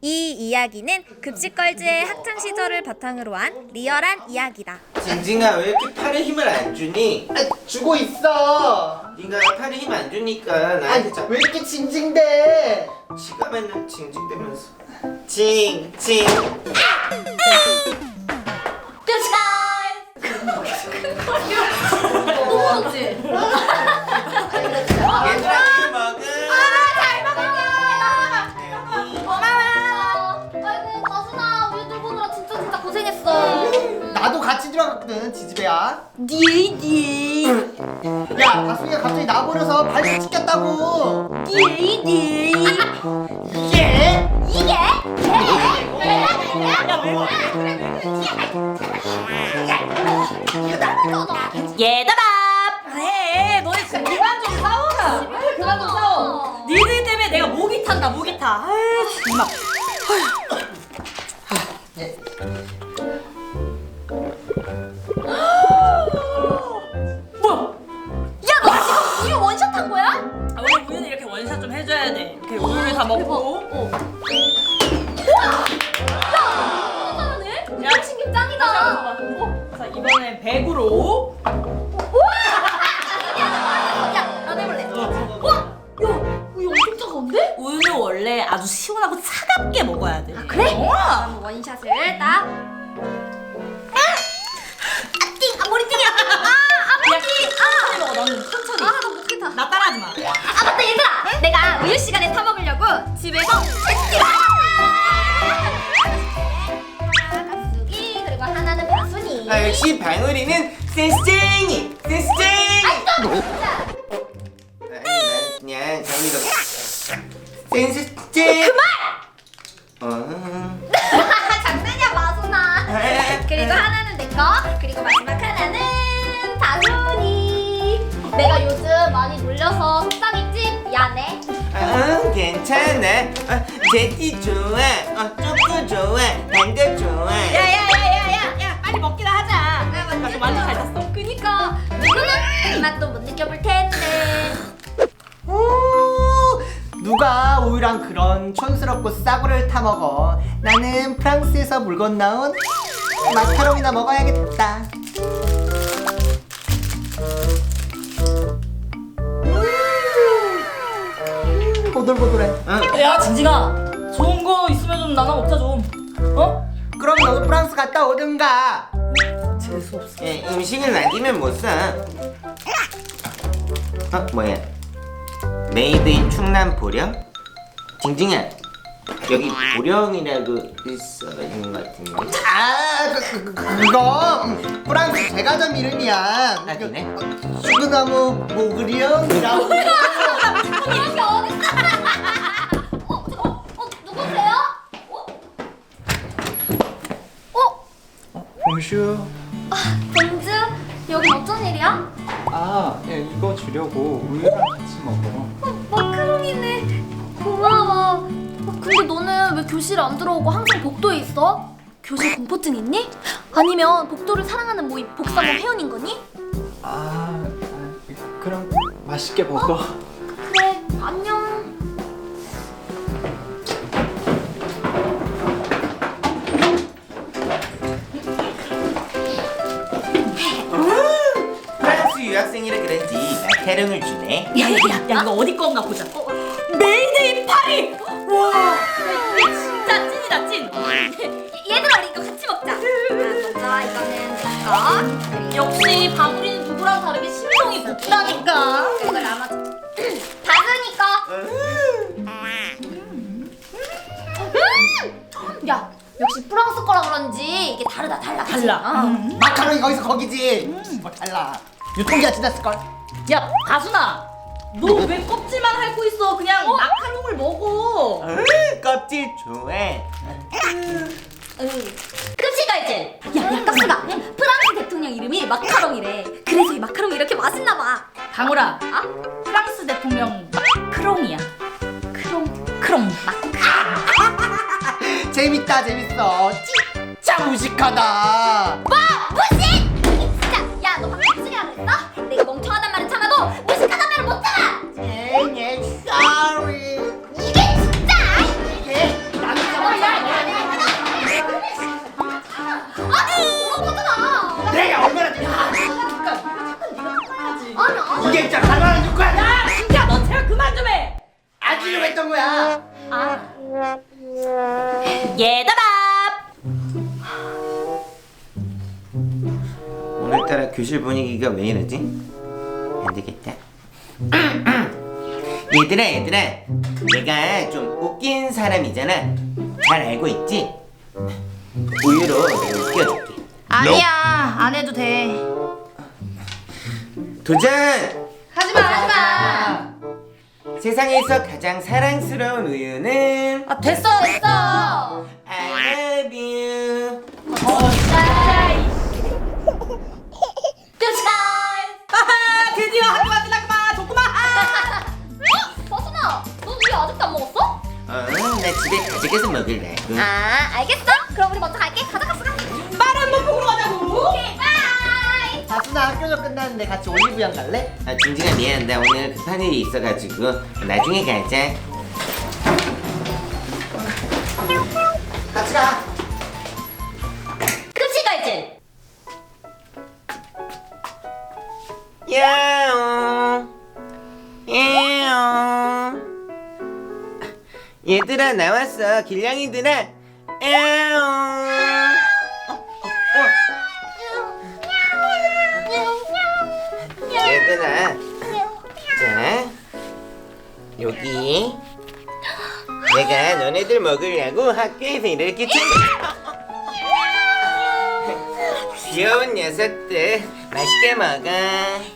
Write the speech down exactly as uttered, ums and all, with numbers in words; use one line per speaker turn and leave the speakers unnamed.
이 이야기는 급식걸즈의 학창 시절을 바탕으로 한 리얼한 이야기다.
징징아 왜 이렇게 팔에 힘을 안 주니?
아, 주고 있어.
네가 팔에 힘 안 주니까 나한테 자꾸
왜 이렇게 징징대?
지가 맨날 징징대면서 징징.
너무 먹지?
얘들아 이 먹음.
잘 먹을게. 고마워. 아이고 가순아 우리 돌보느라 진짜 진짜 고생했어.
나도 같이 들어갔거든, 지지배야.
니니
야, 가수이가 갑자기 나버려서 발목 찢겼다고.
니니
이게?
이게?
얘들아! 그래 너네 지금 그만 좀 싸워라. 그만 좀 싸워. 니들 때문에 내가 목이 탄다 목이 타. 아유 정말. 뭐야?
야 너 지금 우유 원샷 한 거야?
아, 원래 우유는 이렇게 원샷 좀 해줘야 돼. 이렇게 우유를 다 먹고.
어. 야 잘하네. 운동신경 짱이다.
자 이번엔 백으로.
야 나도 해볼래. 와, 야 우유 엄청 차가운데?
우유는 원래 아주 시원하고 차갑게 먹어야 돼.
아 그래?
어.
그럼 원샷을 딱. 아띵, 아 머리띵이야. 아, 아 머리띵.
천천히 먹어 너는 천천히.
아, 나 못겠다.
나 따라하지 마.
아 맞다 얘들아. 내가 우유 시간에 타 먹으려고 집에서 가수기 그리고 하나는 바순이.
아 역시 방울이는 센스쟁이 센스쟁이.
진짜.
아니 난 그냥 장미가 센스쟁. 어.
장난이야 마순아. 그리고 하나는 내 거. 그리고 마지막 하나는 바순이. 내가 요즘 많이 놀려서 속상했지? 미안해.
어, 괜찮아. 어, 제티 좋아. 어, 쪼꼬 좋아. 단도 좋아.
야야야야야야 빨리 먹기나 하자.
아,
나 지금 완전 잘 탔어.
그니까 누구는 이 맛도 못 느껴볼 텐데.
오, 누가 우유랑 그런 촌스럽고 싸구려를 타 먹어. 나는 프랑스에서 물 건너온 마카롱이나 먹어야겠다. 음, 보들보들해.
어.
야 진진아 좋은 거 있으면 좀 나눠 먹자 좀. 어?
그럼 너도 프랑스 갔다 오든가.
재수 없어.
예, 음식을 남기면 못 사. 어 뭐야? 메이드 인 충남 보령? 징징아 여기 보령이라고 있어 있는 것 같은데.
아, 그, 그, 그, 그거 프랑스 제과점 이름이야.
아, 그래?
수그나무 모그리언이라고.
이렇게 어딨어? 어, 어, 어, 누구세요? 어? 어?
봉슈.
아, bonjour. 여긴 어쩐 일이야?
아, 예, 이거 주려고 우유랑 같이 먹어.
어, 마카롱이네. 고마워. 어, 근데 너는 왜 교실에 안 들어오고 항상 복도에 있어? 교실 공포증 있니? 아니면 복도를 사랑하는 모임 복사모 회원인 거니?
아, 아, 그럼 맛있게 먹어.
그래, 안녕.
프랑스 유학생이라 그런지 마카롱을 주네.
야야야 야 이거 어디 건가 보자. 어, 메이드 인 파리. 와 이게 진짜 찐이다 찐.
얘들아, 우리 이거 같이 먹자. 아, 먼저 이거는 내 거. 그리고
역시 바구리는 누구랑 다르게 심성이 곱다니까.
그리고 나머지 다스니까. 음! 야, 역시 프랑스 거라 그런지 이게 다르다 달라. 그치?
달라.
어.
음.
마카롱이 거기서 거기지. 뭐 달라. 유통기한 지났을 걸.
야 가순아 너 왜 껍질만 핥고 있어. 그냥 마카롱을 먹어.
으, 껍질 좋아.
급식 알지? 야, 야, 깍수가 프랑스 대통령 이름이 마카롱이래. 그래서 이 마카롱이 이렇게 맛있나 봐.
방울아
아?
프랑스 대통령 크롱이야.
크롱.
크롱.
재밌다, 재밌어. 진짜 무식하다.
뭐? 무식? 진짜. 야, 너 방금 무식이라 그랬어? 내가 멍청하단 말은 참아도 무식하단 말은 못 참아.
예, 예, sorry.
이게 진짜.
이게 남자가 어떤 거야?
아,
얘들아.
오늘따라 교실 분위기가 왜 이러지? 안 되겠다. 얘들아 얘들아, 내가 좀 웃긴 사람이잖아. 잘 알고 있지? 우유로 내가 웃겨줄게.
아니야, 안 해도 돼.
도전!
하지마, 하지마.
세상에서 가장 사랑스러운 우유는
아 됐어 됐어.
I love you.
하하, 드디어 학교가 끝났구만. 좋구만.
서순아, 너 우유 아직도 안 먹었어?
어, 나 집에 가져가서 먹으려고.
아, 알겠어. 그럼 우리 먼저 갈게. 가자, 가자.
빠른 못 보러 가자고.
오케이, 바이.
다순아 학교도 끝났는데 같이 올리브영 갈래?
아, 징징아 미안. 나 오늘 급한 일이 있어가지고 나중에 가자.
같이 가.
급식갈증.
야옹 야옹. 얘들아 나왔어. 길냥이들아. 야옹. 얘들아, 자 여기 내가 너네들 먹으려고 학교에서 이렇게 챙겨. 귀여운 녀석들 맛있게 먹어.